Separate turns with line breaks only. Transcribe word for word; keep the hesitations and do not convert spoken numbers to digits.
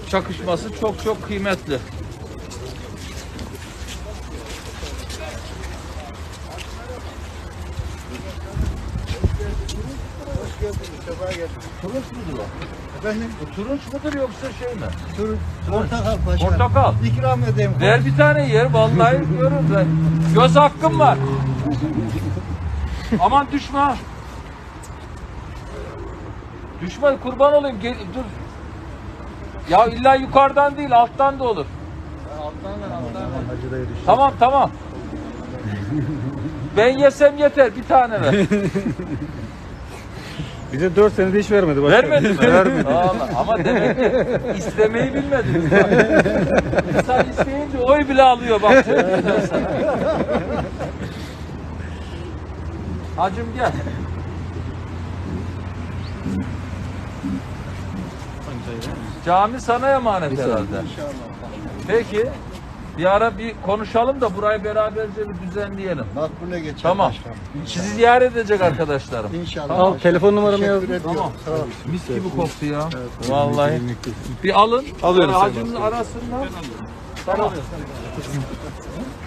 çakışması çok çok kıymetli. Turunç mudur o?
Efendim?
Bu turunç mudur yoksa şey mi?
Turunç. Portakal paşa.
Portakal.
İkram edeyim.
Ver bir tane yer, vallahi diyorum ben. Göz hakkım var. Aman düşme. ha. Düşme, kurban olayım. Gel, dur. Ya illa yukarıdan değil, alttan da olur.
Alttan ver, alttan ver. Hacı dayı düştü.
Tamam tamam. Ben yesem yeter, bir tane ver.
Bize dört senede hiç vermedi. Başkanım.
Vermedi mi?
Vermedi.
Vallahi. Ama demek ki istemeyi bilmediniz. İnsan isteyince oy bile alıyor bak. söyleyeyim sana. Hacım gel. Cami sana emanet herhalde.
İnşallah.
Peki. Bir ara bir konuşalım da burayı beraberce bir düzenleyelim.
Makbule geçer
Tamam.
başkanım.
Sizi ziyaret edecek arkadaşlarım.
İnşallah.
Tamam.
Al telefon numaramı
Teşekkür
yazdım.
ediyorum.
Tamam.
Sağ ol.
Mis gibi koktu ya. Vallahi. Bir alın.
Alıyorum
Sonra
sen
hacının
bana.
arasından. Tamam.